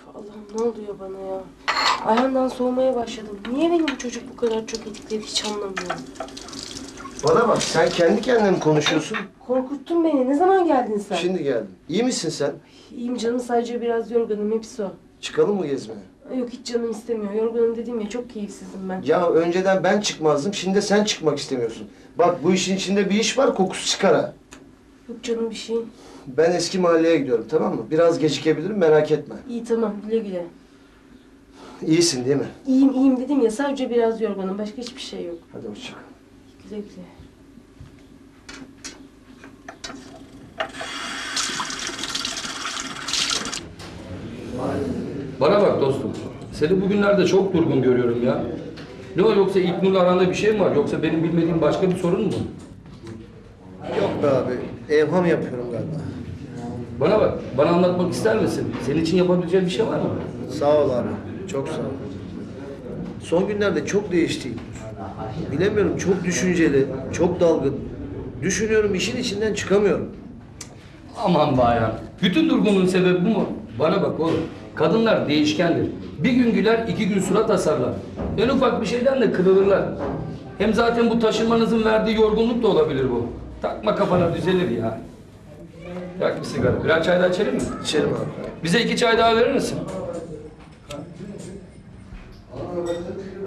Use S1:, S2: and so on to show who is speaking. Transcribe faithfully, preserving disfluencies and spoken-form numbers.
S1: Allah'ım ne oluyor bana ya? Ayhan'dan soğumaya başladım. Niye beni bu çocuk bu kadar çok etkiledi hiç anlamıyorum.
S2: Bana bak, sen kendi kendine mi konuşuyorsun?
S1: Korkuttun beni. Ne zaman geldin sen?
S2: Şimdi geldim. İyi misin sen?
S1: İyiyim canım, sadece biraz yorgunum, hepsi o.
S2: Çıkalım mı gezmeye?
S1: Yok, hiç canım istemiyor. Yorgunum dedim ya, çok keyifsizim ben.
S2: Ya önceden ben çıkmazdım, şimdi de sen çıkmak istemiyorsun. Bak bu işin içinde bir iş var, kokusu çıkar ha.
S1: Yok canım bir şey.
S2: Ben eski mahalleye gidiyorum, tamam mı? Biraz gecikebilirim, merak etme.
S1: İyi tamam, güle güle.
S2: İyisin değil mi?
S1: İyiyim iyiyim dedim ya, sadece biraz yorgunum. Başka hiçbir şey yok.
S2: Hadi hoşça kal.
S1: Güle güle.
S3: Bana bak dostum, seni bugünlerde çok durgun görüyorum ya. Ne o, yoksa İlknur'la aranda bir şey mi var? Yoksa benim bilmediğim başka bir sorun mu?
S2: Yok be abi, evham yapıyorum galiba.
S3: Bana bak, bana anlatmak ister misin? Senin için yapabileceğim bir şey var mı?
S2: Sağ ol abi, çok sağ ol. Son günlerde çok değişti. Bilemiyorum, çok düşünceli, çok dalgın. Düşünüyorum, işin içinden çıkamıyorum.
S3: Aman be Ayhan, bütün durgunluğun sebebi bu mu? Bana bak oğlum, kadınlar değişkendir. Bir gün güler, iki gün surat asarlar. En ufak bir şeyden de kırılırlar. Hem zaten bu taşınmanızın verdiği yorgunluk da olabilir bu. Takma kafana, düzelir ya. Yak bir sigara, birer çay daha içelim mi?
S2: İçerim abi.
S3: Bize iki çay daha verir misin?